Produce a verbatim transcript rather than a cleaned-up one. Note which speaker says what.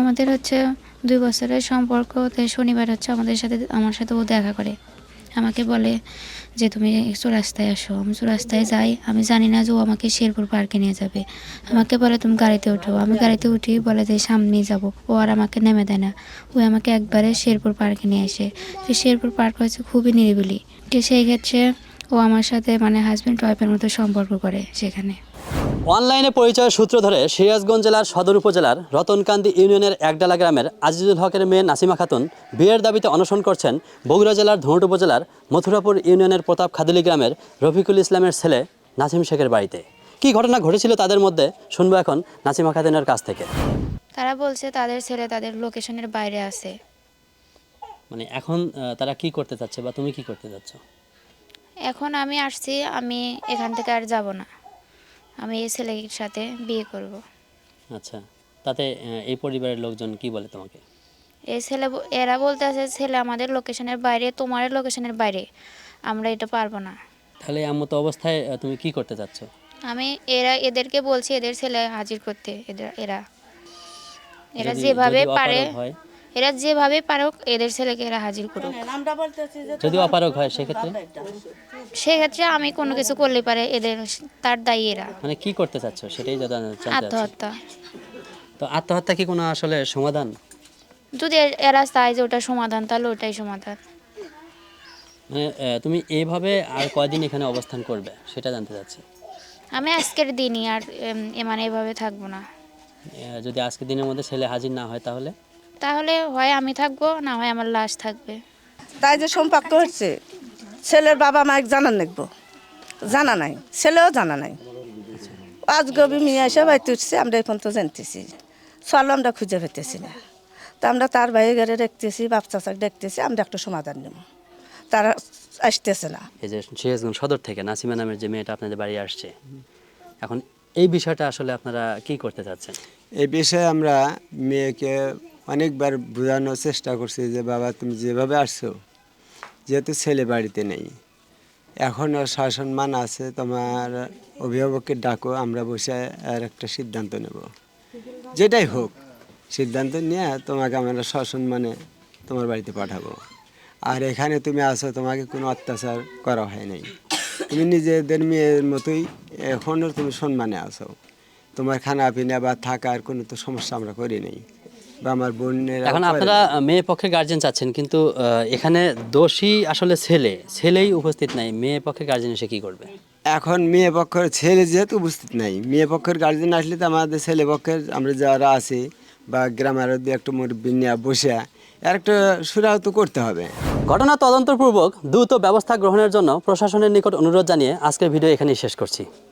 Speaker 1: আমাদের হচ্ছে দুই বছরের সম্পর্ক। তো শনিবার হচ্ছে আমাদের সাথে আমার সাথে ও দেখা করে, আমাকে বলে যে তুমি চৌরাস্তায় আসো। আমি চৌরাস্তায় যাই, আমি জানি না যে ও আমাকে শেরপুর পার্কে নিয়ে যাবে। আমাকে বলে তুমি গাড়িতে ওঠো, আমি গাড়িতে উঠি, বলে যে সামনেই যাব। ও আর আমাকে নেমে দেয় না, ও আমাকে একবারে শেরপুর পার্কে নিয়ে আসে। তো শেরপুর পার্ক হচ্ছে খুবই নিরিবিলি। তো সেই ক্ষেত্রে ও আমার সাথে মানে হাজব্যান্ড ওয়াইফের মতো সম্পর্ক করে সেখানে।
Speaker 2: অনলাইনে পরিচয় সূত্র ধরে সিরাজগঞ্জ জেলার সদর উপজেলার রতনকান্দি ইউনিয়নের একডালা গ্রামের আজিজুল হকের মেয়ে নাসিমা খাতুন বিয়ের দাবিতে অনশন করছেন বগুড়া জেলার ধুনট উপজেলার মথুরাপুর ইউনিয়নের প্রতাপ খাদিলি গ্রামের রফিকুল ইসলামের ছেলে নাসিম শেখের বাড়িতে। কি ঘটনা ঘটেছিল তাদের মধ্যে শুনবো এখন নাসিমা খাতুনের কাছ থেকে।
Speaker 1: তারা বলছে তাদের ছেলে তাদের লোকেশনের বাইরে আছে।
Speaker 2: মানে এখন তারা কি করতে চাচ্ছে বা তুমি কি করতে চাচ্ছ?
Speaker 1: এখন আমি আসছি, আমি এখান থেকে আর যাব না, আমি এই ছেলের সাথে বিয়ে করব।
Speaker 2: আচ্ছা, তাতে এই পরিবারের লোকজন কি বলে তোমাকে?
Speaker 1: এই ছেলে এরা বলতে আছে ছেলে আমাদের লোকেশনের বাইরে, তোমার লোকেশনের বাইরে, আমরা এটা পারবো না।
Speaker 2: তাহলে এমত অবস্থায় তুমি কি করতে চাচ্ছ?
Speaker 1: আমি এরা এদেরকে বলছি এদের ছেলে হাজির করতে। এদের এরা এরা
Speaker 2: যদি-
Speaker 1: যেভাবে
Speaker 2: যদি
Speaker 1: পারে
Speaker 2: অপারগ হয়,
Speaker 1: এরা যেভাবে পারুক এদের ছেলেকে এরা হাজির করুক।
Speaker 2: যদি অপারগ হয় সেক্ষেত্রে
Speaker 1: সেক্ষেত্রে আমি কোনো কিছু করলে পারে এদের, তার দায়ী এরা।
Speaker 2: মানে কি করতে চাচ্ছ সেটাই জানতে চাচ্ছি।
Speaker 1: আত্মহত্যা।
Speaker 2: তো আত্মহত্যা কি কোনো আসলে সমাধান?
Speaker 1: যদি এ- এরা চায় যে ওটা সমাধান, তাহলে ওটাই সমাধান।
Speaker 2: মানে আহ, তুমি এইভাবে আর কয়দিন এখানে অবস্থান করবে সেটা জানতে চাচ্ছি।
Speaker 1: আমি আজকের দিনই আর এম, এ মানে এভাবে থাকবো না।
Speaker 2: আহ, যদি আজকের দিনের মধ্যে ছেলে হাজির না হয় তাহলে
Speaker 1: তাহলে হয় আমি থাকবো, না হয় আমার লাশ থাকবে।
Speaker 3: তাই যে সম্পর্ক হচ্ছে, ছেলের বাবা মায়ের জানা নেব, জানা নাই, ছেলেও জানা নাই। আজ গবি মেয়ে এসে বাড়িতে উঠছে, আমরা এখন তো জানতেছি, চলো আমরা খুঁজে পেতেছি না। তা আমরা তার বাইরে ঘরে দেখতেছি, বাপ চাচাকে দেখতেছি, আমরা একটা সমাধান নেব, তারা আসতেছে না।
Speaker 2: এই যে সিরাজগঞ্জ সদর থেকে নাসিমা নামের যে মেয়েটা আপনাদের বাড়ি আসছে, এখন এই বিষয়টা আসলে আপনারা কি করতে চাচ্ছেন?
Speaker 4: এই বিষয়ে আমরা মেয়েকে অনেকবার বোঝানোর চেষ্টা করছি যে বাবা তুমি যেভাবে আসছো, যেহেতু ছেলে বাড়িতে নেই, এখনও শাসন মান আছে, তোমার অভিভাবককে ডাকো, আমরা বসে আর একটা সিদ্ধান্ত নেব, যেটাই হোক সিদ্ধান্ত নিয়ে তোমাকে আমরা শাসন মানে তোমার বাড়িতে পাঠাবো। আর এখানে তুমি আসো, তোমাকে কোনো অত্যাচার করা হয় নাই, তুমি নিজেদের মেয়ের মতোই এখনও তুমি সম্মানে আসো। তোমার খানা পিনা বা থাকার কোনো তো সমস্যা আমরা করি নাই, বা আমার বোনের।
Speaker 2: এখন আপনারা মেয়ে পক্ষের গার্জেন চাচ্ছেন, কিন্তু আহ, এখানে দোষী আসলে ছেলে, ছেলেই উপস্থিত নাই, মেয়ে পক্ষের গার্জেন এসে কি করবে?
Speaker 4: এখন মেয়ে পক্ষের ছেলে যেহেতু উপস্থিত নাই, মেয়ে পক্ষের গার্জেন আসলে তো আমাদের ছেলে পক্ষের আমরা যারা আছি বা গ্রামের দু একটা মুরব্বী নিয়ে বসে আর একটা সুরাহত করতে হবে।
Speaker 2: ঘটনা তদন্তপূর্বক দ্রুত ব্যবস্থা গ্রহণের জন্য প্রশাসনের নিকট অনুরোধ জানিয়ে আজকের ভিডিও এখানেই শেষ করছি।